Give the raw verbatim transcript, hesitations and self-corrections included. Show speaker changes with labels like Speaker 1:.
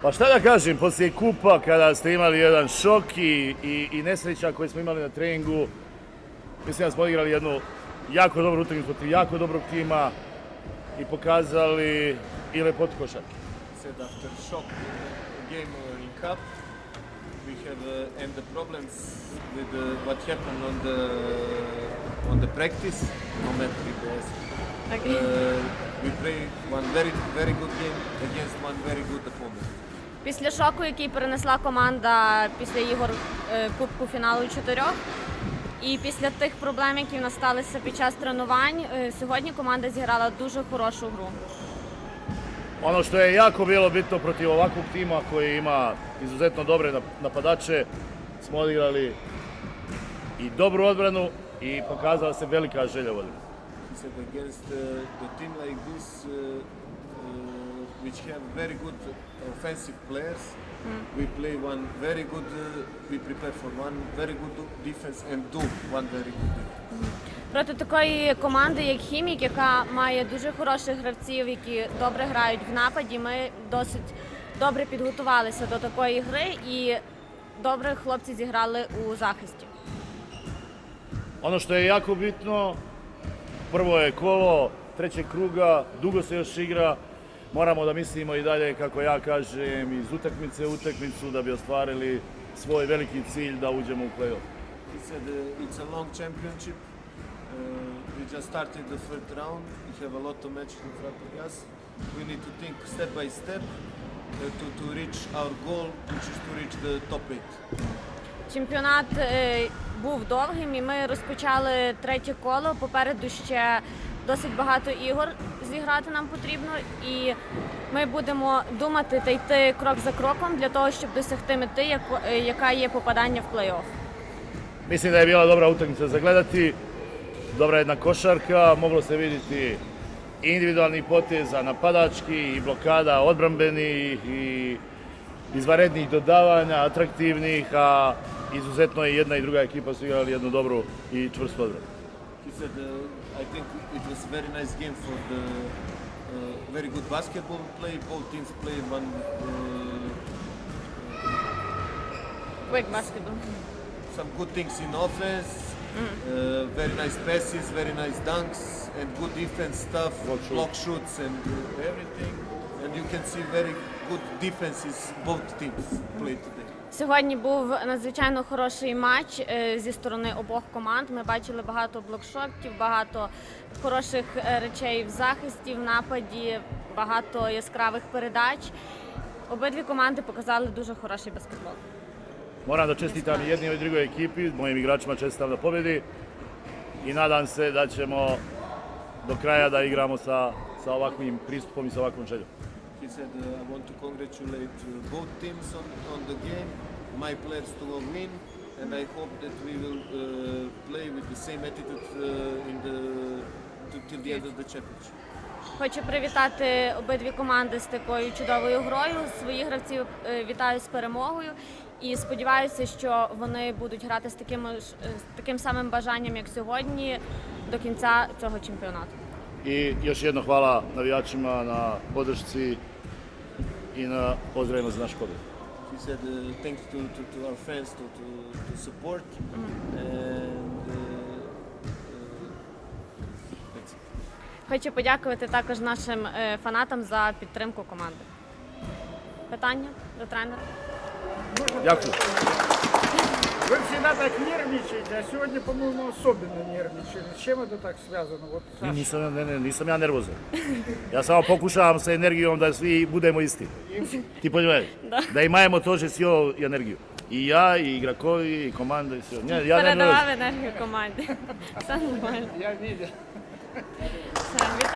Speaker 1: Pa šta da kažem, poslije kupa kada ste imali jedan šok i, i, i nesreća koje smo imali na treningu, mislim da smo odigrali jednu jako dobru utakmicu protiv jako dobrog tima i pokazali i lepotu košarke.
Speaker 2: Said after shock game uh, in cup, we have uh, and the problems with uh, what happened on the on the practice, no matter if there's
Speaker 3: Okay.
Speaker 2: Uh, we play one very very good game against one very good opponent.
Speaker 3: Після шоку, який перенесла команда після ігор е, Кубку фіналу чотирьох, і після тих проблем, які в нас сталися під час тренувань, е, сьогодні команда зіграла дуже хорошу гру.
Speaker 1: Ono što je jako bilo bitno protiv ovakvog tima koji ima izuzetno dobre napadače, smo odigrali i dobru odbranu i pokazala se velika želja u odbrani.
Speaker 2: He said against uh, the team like this, uh, uh, which have very good offensive players, we play one very good. Uh, we prepare for one very good defense and do one very good defense.
Speaker 3: Проти такої команди, як Хімік, яка має дуже хороших гравців, які добре грають в нападі, ми досить добре підготувалися до такої гри і добре хлопці зіграли у захисті.
Speaker 1: Ono što je jako bitno, prvo je kolo trećeg kruga, dugo se još igra, moramo da mislimo i dalje, kako ja kažem, iz utakmice u utakmicu da bi ostvarili svoj veliki cilj da uđemo u play-off.
Speaker 2: He said uh, it's a long championship. Uh, we just started the first round. We have a lot of matches in front of us. We need to think step by step uh, to, to reach our goal, which is to reach the top eight.
Speaker 3: Чемпіонат е, був довгим і ми розпочали третє коло. Попереду ще досить багато ігор зіграти нам потрібно. І ми будемо думати та йти крок за кроком для того, щоб досягти мети, яко- е, яка є попадання в плей-офф.
Speaker 1: Mislim da je bila dobra utakmica za gledati, dobra jedna košarka, moglo se vidjeti individualni poteza, napadački i blokada odbrambenih i izvanrednih dodavanja, atraktivnih, a izuzetno je jedna i druga ekipa su igrali jednu dobru i čvrstu odbranu.
Speaker 2: He said uh, I think it was a very nice game for the uh, very good basketball play. Both teams played one uh,
Speaker 3: Quick basketball.
Speaker 2: some good things in offense, uh, very nice passes, very nice dunks, and good defense stuff,
Speaker 1: Block shoot.
Speaker 2: block shoots and uh, everything. And you can see very good defenses both teams played today.
Speaker 3: Сьогодні був надзвичайно хороший матч е, зі сторони обох команд. Ми бачили багато блокшотів, багато хороших е, речей в захисті, в нападі, багато яскравих передач. Обидві команди показали дуже хороший баскетбол.
Speaker 1: Moram da čestitam i jednoj i drugoj ekipi, mojim igračima čestitam na pobjedi i nadam se da ćemo do kraja da igramo sa, sa ovakvim pristupom i sa ovakvom željom.
Speaker 2: He said, uh, I want to congratulate uh, both teams on, on the game, my players to win, and I hope that we will uh, play with the same attitude uh, in the, to, till the end of the championship.
Speaker 3: Хочу привітати обидві команди з такою чудовою грою. Своїх гравців е, вітаю з перемогою і сподіваюся, що вони будуть грати з таким, ж- е, з таким самим бажанням, як сьогодні, до кінця цього чемпіонату.
Speaker 1: I još jedno hvala navijačima na podršci i na pozdravima za naš pobjed.
Speaker 2: He said, uh, thanks to, to, to our fans to, to, to support, and uh, uh, that's it.
Speaker 3: Хочу подякувати також нашим е, фанатам за підтримку команди. Питання до тренера?
Speaker 1: Дякую.
Speaker 4: Вы всегда так нервничаете, а сегодня, по-моему, особенно нервничали. С чем это так связано? Вот, Саша,
Speaker 1: Nisam, ne, ne, nisam ja nervozan. Ja samo pokušavam sa energijom da svi budemo isti. Ti poнимаешь?
Speaker 3: Da.
Speaker 1: Da imamo тоже силу i energiju. I ja, i igrakovi, i komanda, i sve. Ne, ja ne nervozan.
Speaker 3: Передавав енергію команді. Все нормально.
Speaker 4: я видел.
Speaker 3: Все,